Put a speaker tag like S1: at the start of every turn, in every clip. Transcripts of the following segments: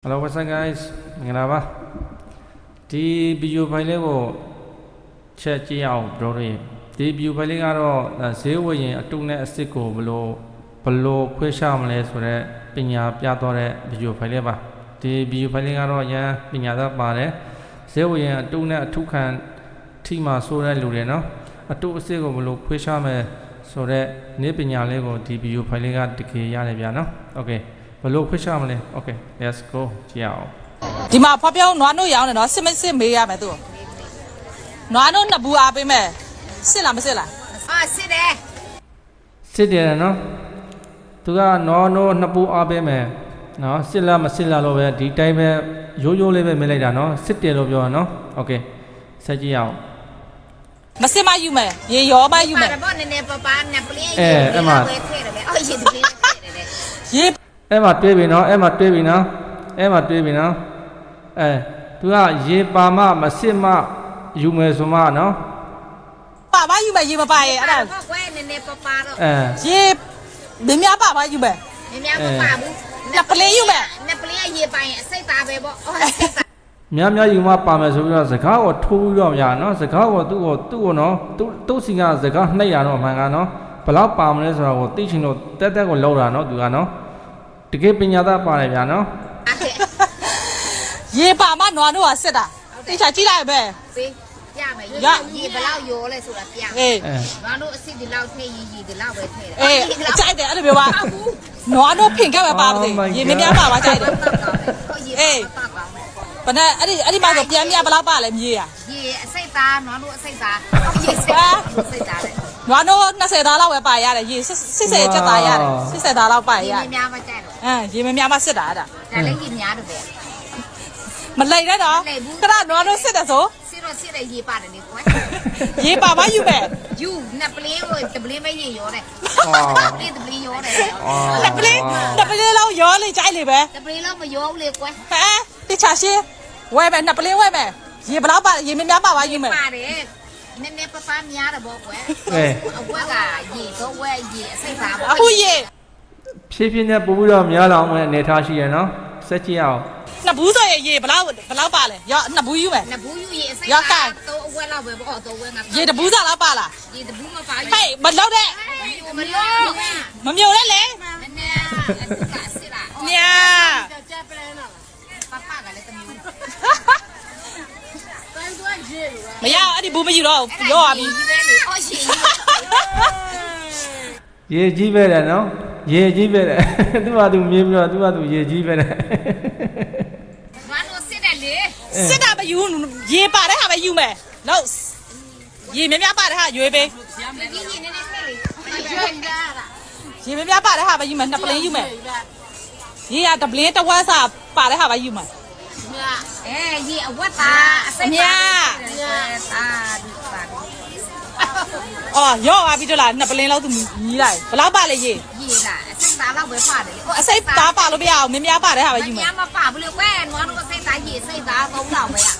S1: Hello, what's up guys? မင်္ဂလာပါဒီ video file လေးကိုချက်ကြည့်အောင် bro တွေဒီ video file လေးကတော့ဈေးဝယ်ရင်အတုနဲ့အစစ်ကိုဘလို့ခွဲခြားမလဲဆိုတော့ပညာပြသွားတဲ့ video file လေးပါဒီ video file လေးကတော့ရန်ပညာသားပါတယ်ဈေးဝယ်ရင်အတုနဲ့အထုခံထိမှဆိုတဲ့လူတွေနော်အတုအစစ်ကိုဘလို့ခွဲခြားမယ်ဆိုတော့နေ့ပညာလေးကိုဒီ video file လေးကတကယ်ရတယ်ဗျာနော် okayဘလို့ခွဲခြားမလဲ okay let's go ကြည့်အောင်
S2: ဒီမှာဖော်ပြောင်းနွားနို့ရောင်းတယ်နော်စစ်မေးရမယ်သူနွားနို့နှစ်ဘူးအားပေးမယ်စစ်လားမစစ်လား
S3: စစ်တယ်
S1: စစ်တယ်နော်သူကနော်နှစ်ပူအားပေးမယ်နော်စစ်လားမစစ်လားလို့ပဲဒီတိုင်းပဲရိုးလေးပဲမေးလိုက်တာနော်စစ်တယ်လို့ပြောတာနော် okay ဆက်ကြည့်အောင်
S2: မစစ်မယူမယ်ရေရောမယူမယ်
S3: ပေါ့နည်းနည်းပနဲ့ပလင်းအဲ့မှာပဲထည့်တယ်ပဲအော်ရေတပင်းထည့်တယ်
S2: ရေ
S1: အဲ့မှာတွေးပြီနော်အဲ့မှာတွေးပြီနော်သူကရေပါမမစစ်မယူမယ်ဆိုမှနော်
S2: ပါမယူမယ်ရေမပါရဲ့အဲ့ဒါ
S3: ကွယ်နည်းနည်းပါတော့
S2: ရေမင်းများပါမယူမယ်
S3: မင်းများမပါဘူး
S2: နှစ်ပလင်းယူမယ်
S3: နှစ်ပလင်းရေပါရင်အစိတ်သားပဲပေါ့အော်အစိတ်သား
S1: များယူမှပါမယ်ဆိုပြီးတော့စကားကိုထိုးပြီးတော့များနော်စကားကိုသူ့ကိုနော်သူ့စီကစကားနှိပ်ရတော့မှန်ကနော်ဘယ်လောက်ပါမလဲဆိုတော့ကိုသိချင်လို့တက်ကိုလောက်တာနော်သူကနော်တကယ်ပညာသားပါတယ်ဗျာနော်
S2: ရေပါမနွားတို့ကစစ်တာသိချာကြည့်လိုက်ပဲ
S3: ပေးပြမယ်ရေဘယ်လောက်ရောလဲဆိုတာပြမယ်နွားတို့အစ်စ်ဒီလောက်ထည့်ရေဒီလောက်ပဲထည့်တယ်
S2: အေးကြိုက်တယ်အဲ့လိုမျိုးပါနွားတို့ဖင်ခဲ့ပဲပါပါသေးရေမများပါပါကြိုက်တယ်အေးဘယ်နဲ့အဲ့ဒီမှာဆိုပြန်မြဘယ်လောက်ပါလဲမြေးရ
S3: ရေအစိတ်သားနွားတို့အစိတ်သားရေစိတ်သားလေ
S2: နွားတို့20သားလောက်ပဲပါရတယ်ရေ80ကျက်သားရတယ်80သားလောက်ပါရ
S3: ရေမများမကြိုက်
S2: တော့ရေမများမစစ်တာအဲ့ဒါ
S3: ဒါလည်းရေများတော့ပဲ
S2: မလိုက်နဲ့တော့ခဏနွားတို့စစ်တယ်ဆို
S3: စစ်တယ်ရေပါတယ်လေကွယ်
S2: ရေပါမယူမယ်
S3: ယူနှစ်ပလင်းကိုတပလင်းပဲရေရောတယ်တပလင်းရောတယ်
S2: တပလင်းလောက်ရောလေကြိုက်လေပဲ
S3: တပလင်းလောက်မရောဘူးလေကွယ်
S2: ဟဲ့တိချာရှင်းဝဲမယ်နှစ်ပလင်းဝဲမယ်ရေဘလောက်ပါရေမများပါပါယူမယ်
S3: ပါတယ်နည်းနည်းပများတယ်ပေါ့ကွယ်အဝက်ကရေတော့ဝဲရေအစိတ်သားပေါ့
S2: အခုရေ
S1: ဖြည်းဖြည်းနဲ့ပို့ပြီးတော့များလာအောင်အနေထားရှိရနော်ဆက်ကြည့်အောင်
S2: နှစ်ဘူးဆိုရေဘလောက်ပါလဲရောနှစ်ဘူးယူမယ်
S3: နှစ်ဘူးယူရေအစိတ်သားတော့အဝက်လောက်ပဲပေါ့တော့ဝဲငါ
S2: ရေတဘူးစားလောက်ပါလား
S3: ရေတဘူးမပါ
S2: ဟဲ့မလောက်တဲ့မမျိုးနဲ့လေ
S3: နည်းနည်းကစစ်လား
S2: ညာ
S3: ကြက်ပလဲနော်ပပကလည်းတမျိုး
S2: မရအဲ့ဒီဘူးမယူတော့ရောပါပြီ
S3: အော်ရှင်
S1: ရေကြီးပဲတယ်နော်ရေကြီးပဲတယ်သူ့ဟာသူမြင်ပြီးတော့သူ့ဟာသူရေကြီးပဲတယ်
S3: ဘာလို့စစ်တယ်လေ
S2: စစ်တာမယူရေပါတဲ့ဟာပဲယူမယ်လို့ရေမများပါတဲ့ဟာရွေးပေးရေမများပါတဲ့ဟာပဲယူမယ်နှစ်ပလင်းယူမယ်ရေကတပလင်းတစ်ဝက်စာပါတဲ့ဟာပဲယူမယ်
S3: ရေအဝတ်သားအစိတ်
S2: သားအော်ရောပါပြီတို့လားနှစ်ပလင်းလောက်သူညီးလိုက်ဘယ်လောက်ပါလဲရေ
S3: လားအစိတ်သားလောက်ပဲပါတယ်လေ
S2: အစိတ်သားပါလို့မရအောင်မများပါတဲ့ဟာပဲယူမယ်
S3: မမပါဘူးလေကွယ်နွားတို့အစိတ်သားရေအစိတ်သား3လောက်ပဲရ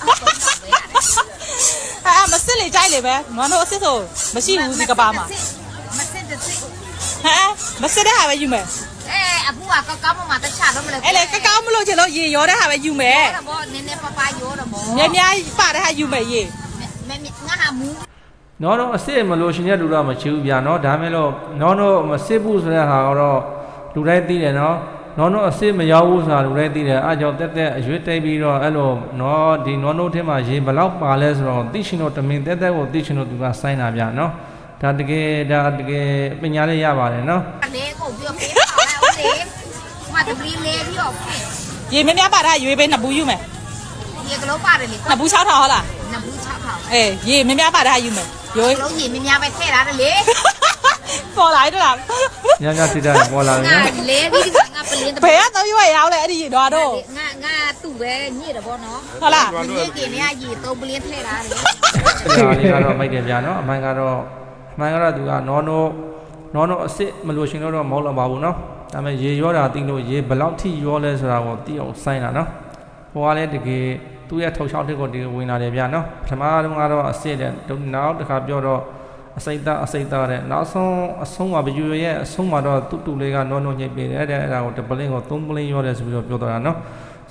S2: မစစ်လေကြိုက်လေပဲနွားတို့အစစ်ဆိုမရှိဘူးဒီကဘာမှာ
S3: မစစ်တဲ့စစ်
S2: မစစ်တဲ့ဟာပဲယူမယ်
S3: အခုကကောင်းမှတခြားတော့မလဲ
S2: အဲ့လေကောင်းမလို့ချင်လို့ရေရောတဲ့ဟာပဲယူမယ်
S3: ဟုတ်တော့နည်းနည်းပရောတော့ဗော
S2: များပါတဲ့ဟာယူမယ်ရေ
S3: ငါဟာမူ
S1: နော်တော့အစစ်မလို့ရှင်တဲ့လူတော့မချီဘူးဗျာနော်ဒါမဲ့လို့နော်တော့မစစ်ဘူးဆိုတဲ့ဟာတော့လူတိုင်းသိတယ်နော်နော်အစစ်မရောက်ဘူးဆိုတာလူတိုင်းသိတယ်အားကြောင့်တက်အရွေးတိတ်ပြီးတော့အဲ့လိုနော်ဒီနော်ထဲမှာရေဘလောက်ပါလဲဆိုတော့သိရှင်တော့တမင်တက်ကိုသိရှင်တော့သူကစိုင်းတာဗျာနော်ဒါတကယ်ပညာလေးရပါတယ်နော်
S3: လေကိုပြောပေးပါဦးလေမတပလီလေးပြီးတော့
S2: ရေမများပါတဲ့ရွေးပေးနှစ်ဘူးယူမယ်
S3: ရေကလေးပါတယ်လေ
S2: နှစ်ဘူး6ထောင်ဟုတ်လား
S3: နှစ်ဘူး6ထောင်
S2: ရေမများပါတဲ့ယူမယ်
S3: ရွေးလုံးရေမများပဲထည့်ရတယ်လေ
S2: ပေါ်လာတော့လား
S1: ညတိတာပေါ်လာတယ်
S3: နော်လေပြီးငါပလင်း
S2: ဘယ်ကတော့ရွေးရောက်လဲအဲ့ဒီတော့
S3: ငါသူ့ပဲညစ်တယ်ဗောနော်
S2: ဟုတ်လား
S3: ရေကင်းနေရေ3ပလင်းထည့်တာလေ
S1: ဒီကတော့မိုက်တယ်ဗျာနော်အမှန်ကတော့သူကနော်အစစ်မလို့ရှင်တော့မဟုတ်တော့ပါဘူးနော်ဒါပေမဲ့ရေရောတာသိလို့ရေဘယ်လောက်ထိရောလဲဆိုတာကိုသိအောင်စိုင်းတာနော်ဟိုကလည်းတကယ်သူ့ရဲ့ထုတ်ချောက်တစ်ကိုတကယ်ဝင်လာတယ်ဗျာနော်ပထမတုန်းကတော့အစစ်တဲ့နောက်တစ်ခါပြောတော့အစိတ်သားတဲ့နောက်ဆုံးအဆုံးမှာဘယူရဲ့အဆုံးမှာတော့တူလေးကနော်ညိတ်ပေးတယ်တဲ့အဲ့ဒါကိုတပလင်းကို3ပလင်းရောတယ်ဆိုပြီးတော့ပြောတော့တာနော်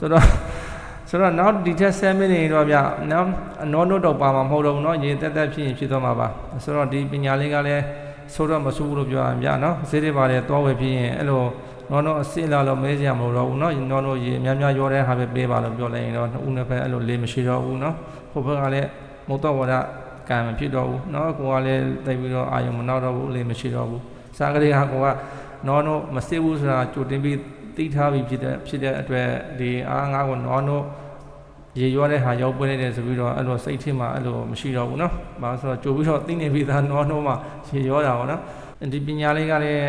S1: ဆိုတော့နောက်ဒီထက်7မိနစ်တော့ဗျနော်နောနိုတော့ပါမှာမဟုတ်တော့ဘူးနော်ရေတက်တက်ဖြစ်ရင်ဖြစ်သွားမှာပါဆိုတော့ဒီပညာလေးကလည်းဆိုတော့မဆူဘူးလို့ပြောရမှာဗျနော်ဈေးတွေပါတယ်သွားဝယ်ဖြစ်ရင်အဲ့လိုနောအစစ်လာလို့မဲစရာမလိုတော့ဘူးနော်နောရေအများများရောတဲ့ဟာပဲပေးပါလို့ပြောလိုက်ရင်တော့နှစ်ဦးနှစ်ဖက်အဲ့လိုလေးမရှိတော့ဘူးနော်ဟိုဘက်ကလည်းမုတ်တော့ဝရကံမဖြစ်တော့ဘူးနော်ကိုကလည်းတိတ်ပြီးတော့အာယုံမနောက်တော့ဘူးလေးမရှိတော့ဘူးစားကလေးဟာကိုကနောမစစ်ဘူးဆိုတာကြိုတင်ပြီးသိထားပြီးဖြစ်တဲ့အတွက်ဒီအားငါးကိုနောရေရွာတဲ့ဟာရောက်ပွင့်နေတယ်ဆိုပြီးတော့အဲ့လိုစိတ်ထဲမှာအဲ့လိုမရှိတော့ဘူးနော်။ဘာလို့ဆိုတော့ကြိုပြီးတော့သိနေပြီးသားနောမှာရေရွာတာပေါ့နော်။ဒီပညာလေးကလည်း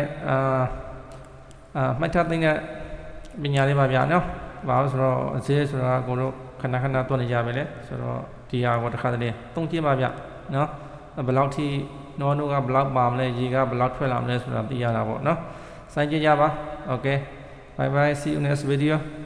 S1: မှတ်ထားသိတဲ့ပညာလေးပါဗျာနော်။ဘာလို့ဆိုတော့အစေးဆိုတာကိုတို့ခဏခဏတွန်းနေကြပဲလေ။ဆိုတော့ဒီဟာကိုတစ်ခါတည်းသုံးကြည့်ပါဗျာနော်။ဘယ်လောက်ထိနောကဘယ်လောက်ပါမလဲရေကဘယ်လောက်ထွက်လာမလဲဆိုတာသိရတာပေါ့နော်။စိုင်းကြည့်ကြပါ။ Okay. Bye bye. See you next video.